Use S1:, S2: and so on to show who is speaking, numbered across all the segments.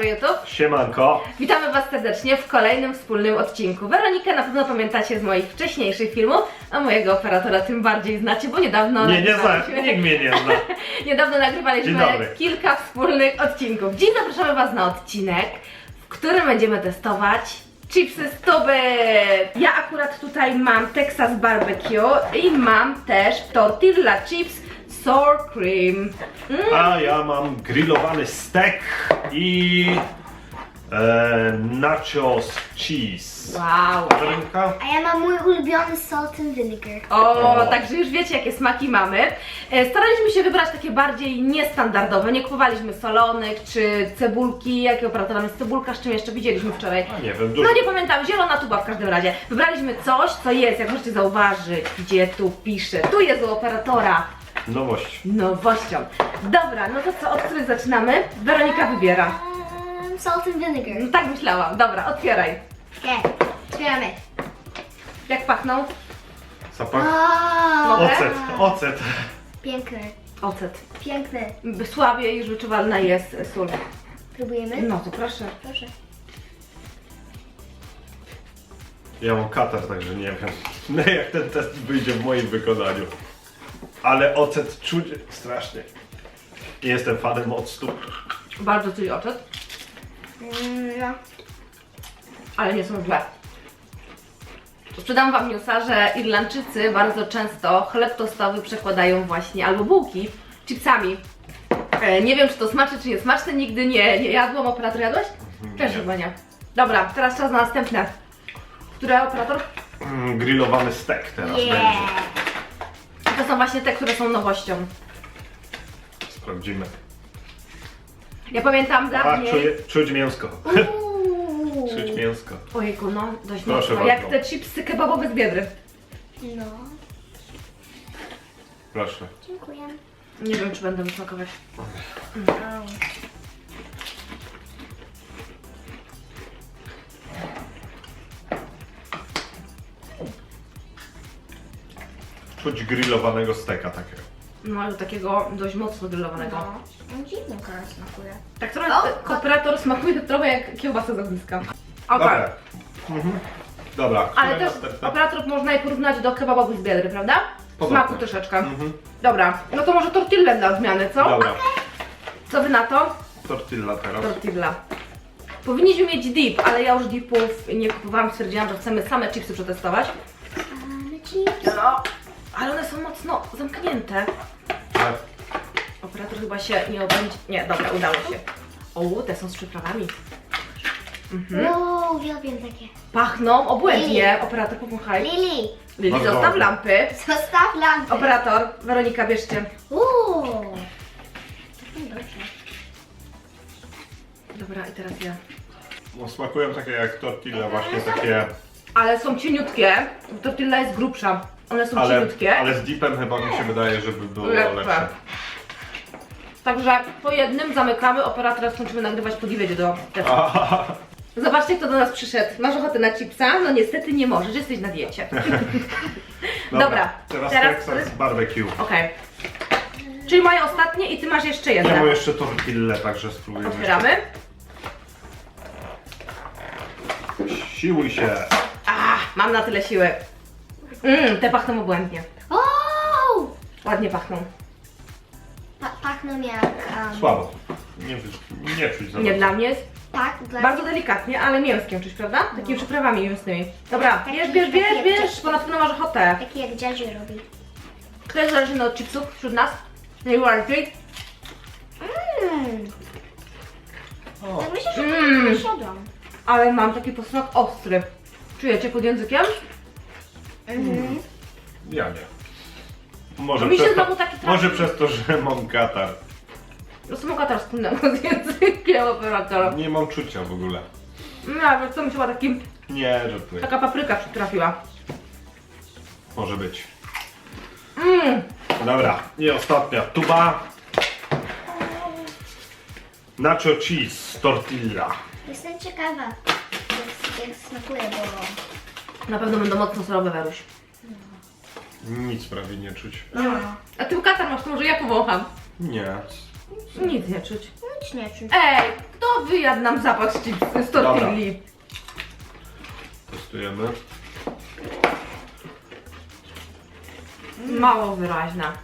S1: dobry YouTube.
S2: Siemanko.
S1: Witamy Was serdecznie w kolejnym wspólnym odcinku. Weronikę na pewno pamiętacie z moich wcześniejszych filmów, a mojego operatora tym bardziej znacie, bo niedawno
S2: Nie znam, nikt mnie nie zna.
S1: niedawno
S2: Dzień
S1: nagrywaliśmy
S2: dobry.
S1: kilka wspólnych odcinków. Dziś zapraszamy Was na odcinek, w którym będziemy testować chipsy Stubbyt. Ja akurat tutaj mam Texas Barbecue i mam też Tortilla Chips Sour Cream.
S2: A ja mam grillowany stek i nachos cheese.
S1: Wow.
S2: Weronika?
S3: A ja mam mój ulubiony salt and vinegar.
S1: O, także już wiecie, jakie smaki mamy. Staraliśmy się wybrać takie bardziej niestandardowe. Nie kupowaliśmy solonych czy cebulki. Jakiego operatora jest cebulka, z czym jeszcze widzieliśmy wczoraj?
S2: A nie wiem, dużo.
S1: No nie pamiętam, zielona tuba w każdym razie. Wybraliśmy coś, co jest, jak możecie zauważyć, gdzie tu pisze. Tu jest u operatora
S2: Nowość.
S1: nowością. Dobra, no to co, od której zaczynamy? Weronika wybiera.
S3: Salt and vinegar.
S1: No tak myślałam. Dobra, otwieraj.
S3: Okej, otwieramy.
S1: Jak pachną?
S2: Zapach.
S1: Mogę?
S2: Ocet.
S3: Piękny,
S1: Ocet.
S3: piękny.
S1: Słabiej już wyczuwalna jest sól.
S3: Próbujemy?
S1: No to proszę.
S3: Proszę.
S2: Ja mam katar, także nie wiem jak ten test wyjdzie w moim wykonaniu. Ale ocet czuć strasznie. Nie jestem fanem octu.
S1: Bardzo czuję ocet,
S3: No.
S1: ale nie są źle. Sprzedam Wam newsa, że Irlandczycy bardzo często chleb tostowy przekładają właśnie, albo bułki, chipsami. Nie wiem, czy to smaczne, czy nie smaczne, nigdy nie jadłam. Operator, jadłeś? Też chyba nie. Dobra, teraz czas na następne. Które operator?
S2: Grillowany stek teraz będzie.
S3: Yeah.
S1: To są właśnie te, które są nowością.
S2: Sprawdzimy.
S1: Ja pamiętam
S2: A,
S1: dawniej...
S2: czuć mięsko.
S3: Uuu.
S2: Czuć mięsko.
S1: Ojejku, no dość
S2: Proszę
S1: mocno. Jak
S2: bardzo.
S1: te chipsy kebabowe z Biedry.
S3: No.
S2: Proszę.
S3: Dziękuję.
S1: Nie wiem, czy będę wysmakować.
S2: Czuć grillowanego steka takiego.
S1: No ale takiego dość mocno grillowanego.
S3: No. On dziwną karę smakuje.
S1: Tak trochę operator smakuje trochę jak kiełbasa z ogniska. Okej.
S2: Dobra. Mhm. Dobra.
S1: Ale
S2: które
S1: też
S2: następne?
S1: operator można je porównać do kebabowych z Biedry, prawda?
S2: Podobne.
S1: Smaku troszeczkę.
S2: Mhm.
S1: Dobra, no to może tortillę dla zmiany, co?
S2: Dobra.
S1: Co Wy na to?
S2: Tortilla teraz.
S1: Tortilla. Powinniśmy mieć dip, ale ja już dipów nie kupowałam, stwierdziłam, że chcemy same chipsy przetestować.
S3: Mamy chips.
S1: No, ale one są mocno zamknięte.
S2: Tak.
S1: Operator chyba się nie obędzie... Nie, dobra, udało się. O, te są z przyprawami.
S3: Wow, uwielbiam takie.
S1: Pachną obłędnie. Operator, pomachaj.
S3: Lili,
S1: Lili,
S2: Bardzo
S1: zostaw
S2: ładnie.
S1: lampy.
S3: zostaw lampę.
S1: Operator, Weronika, bierzcie.
S3: Uuu. Dobrze.
S1: Dobra, i teraz ja.
S2: No, smakują takie jak tortilla, właśnie takie.
S1: Ale są cieniutkie. Tortilla jest grubsza. One są cieniutkie.
S2: Ale z dipem chyba mi się wydaje, żeby było
S1: Lepsze.
S2: lepsze.
S1: Także po jednym zamykamy. Operatora skończymy nagrywać po wiedzie do testu. Zobaczcie, kto do nas przyszedł. Masz ochotę na chipsa? No niestety nie możesz, jesteś na diecie. Dobra,
S2: Teraz
S1: teraz
S2: Texas barbecue.
S1: Okej. Czyli moje ostatnie i ty masz jeszcze
S2: Ja mam
S1: jedno.
S2: jeszcze tortillę, także spróbujemy.
S1: Otwieramy.
S2: Jeszcze. Siłuj się.
S1: Mam na tyle siły. Te pachną obłędnie.
S3: O!
S1: Ładnie pachną.
S3: Pachną jak...
S2: Słabo. Nie czuć za
S1: Nie
S2: bardzo.
S1: dla mnie jest
S3: Tak, dla
S1: bardzo delikatnie, ale mięskiem czuć, prawda? Takimi przyprawami mięsnymi. Dobra,
S3: Taki-
S1: bierz, bo na pewno masz ochotę.
S3: Taki jak dziadziu robi.
S1: Kto jest zależny od chipsów wśród nas? Najbardziej?
S2: O,
S3: Tak myślę, że to nie siadłam.
S1: Ale mam taki posmak ostry. Czujecie pod językiem?
S2: ja nie. Może,
S1: Mi się
S2: przez to,
S1: znowu taki trafi.
S2: może przez to, że mam katar.
S1: Są katar wspólnego z językiem operatora.
S2: Nie mam czucia w ogóle.
S1: No, wiesz co, mi się chyba
S2: Nie, żartuję.
S1: taka papryka przytrafiła.
S2: Może być. Dobra, i ostatnia tuba. Nacho cheese, tortilla.
S3: Jestem ciekawa, jak smakuje, bo...
S1: Na pewno będą mocno surowe, Weruś.
S2: Nic prawie nie czuć.
S1: A ty katar masz, to może ja powącham.
S2: Nie.
S1: Nic nie czuć.
S3: Nic nie czuć.
S1: Ej, kto wyjadł nam zapach z tortilli?
S2: Testujemy.
S1: Mało wyraźna.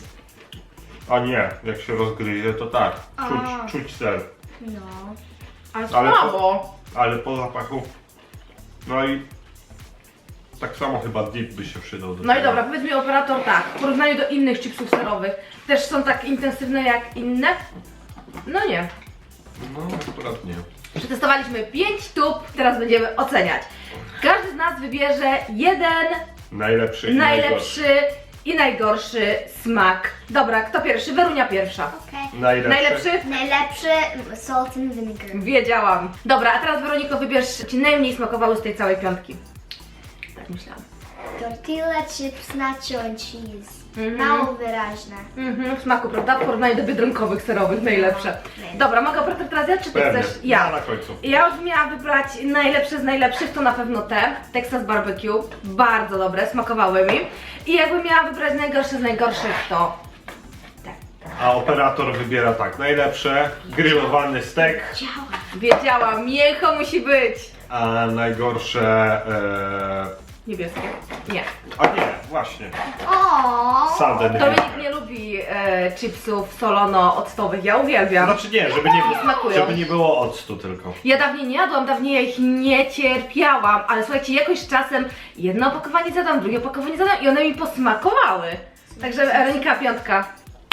S2: A nie, jak się rozgryzie, to tak. Czuć ser.
S3: No.
S1: Ale
S2: Ale
S1: słabo.
S2: Ale po zapachu. No i tak samo chyba dip by się przydał do
S1: No i
S2: tego.
S1: dobra, powiedz mi operator tak, w porównaniu do innych chipsów serowych, też są tak intensywne jak inne? No nie.
S2: No akurat nie.
S1: Przetestowaliśmy 5 tub, teraz będziemy oceniać. Każdy z nas wybierze jeden
S2: Najlepszy i najgorszy.
S1: najlepszy i najgorszy smak. Dobra, kto pierwszy? Werunia pierwsza.
S3: Okej.
S1: Najlepszy?
S3: Najlepszy salt and vinegar.
S1: Wiedziałam. Dobra, a teraz Weroniko wybierz, ci najmniej smakowały z tej całej piątki. Tak myślałam.
S3: Tortilla, chips, nacho and cheese.
S1: Mhm.
S3: Mało wyraźne.
S1: W smaku, prawda? W porównaniu do biedronkowych, serowych, najlepsze.
S3: No.
S1: Dobra, mogę operator teraz ja, czy ty
S2: Pewnie.
S1: chcesz? Ja.
S2: Na końcu.
S1: Ja już miałam wybrać najlepsze z najlepszych, to na pewno te. Texas Barbecue, bardzo dobre, smakowały mi. I jakbym miała wybrać najgorsze z najgorszych, to te.
S2: A operator wybiera tak. Najlepsze, grillowany stek,
S3: Działa.
S1: Wiedziałam, mięcho musi być.
S2: a najgorsze...
S1: Niebieskie. Nie.
S2: A nie, właśnie.
S3: O.
S2: Sudden
S1: Dominik nie lubi chipsów solono-octowych, ja uwielbiam.
S2: Znaczy nie,
S1: Smakują.
S2: żeby nie było octu tylko.
S1: Ja dawniej nie jadłam, dawniej ja ich nie cierpiałam, ale słuchajcie, jakoś czasem jedno opakowanie zadam, drugie opakowanie zadam i one mi posmakowały. Także Weronika piątka.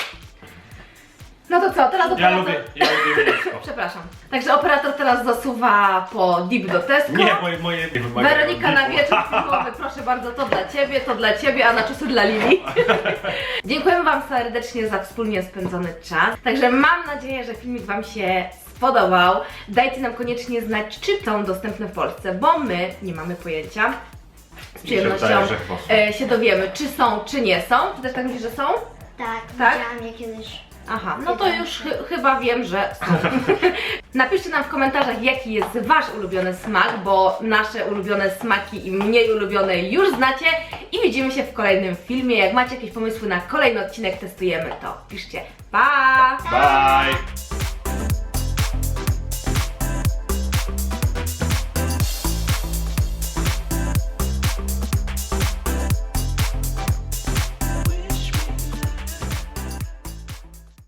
S1: No to co, teraz
S2: Ja
S1: operator...
S2: lubię mięsko.
S1: Przepraszam. Także operator teraz zasuwa po dip do Tesco.
S2: Nie, moje nie wymagają
S1: Weronika na
S2: dipu.
S1: wieczór filmowy, proszę bardzo, to dla Ciebie, a na czasy dla Lili. Dziękujemy Wam serdecznie za wspólnie spędzony czas. Także mam nadzieję, że filmik Wam się spodobał. Dajcie nam koniecznie znać, czy są dostępne w Polsce, bo my nie mamy pojęcia. Z przyjemnością
S2: wydaje, że chyba są.
S1: się dowiemy, czy są, czy nie są. Ty też tak myślisz, że są?
S3: Tak,
S1: Tak?
S3: widziałam je kiedyś.
S1: Aha, no to już chyba wiem, że są. Napiszcie nam w komentarzach, jaki jest Wasz ulubiony smak, bo nasze ulubione smaki i mniej ulubione już znacie. I widzimy się w kolejnym filmie. Jak macie jakieś pomysły na kolejny odcinek, testujemy to. Piszcie. Pa!
S2: Bye!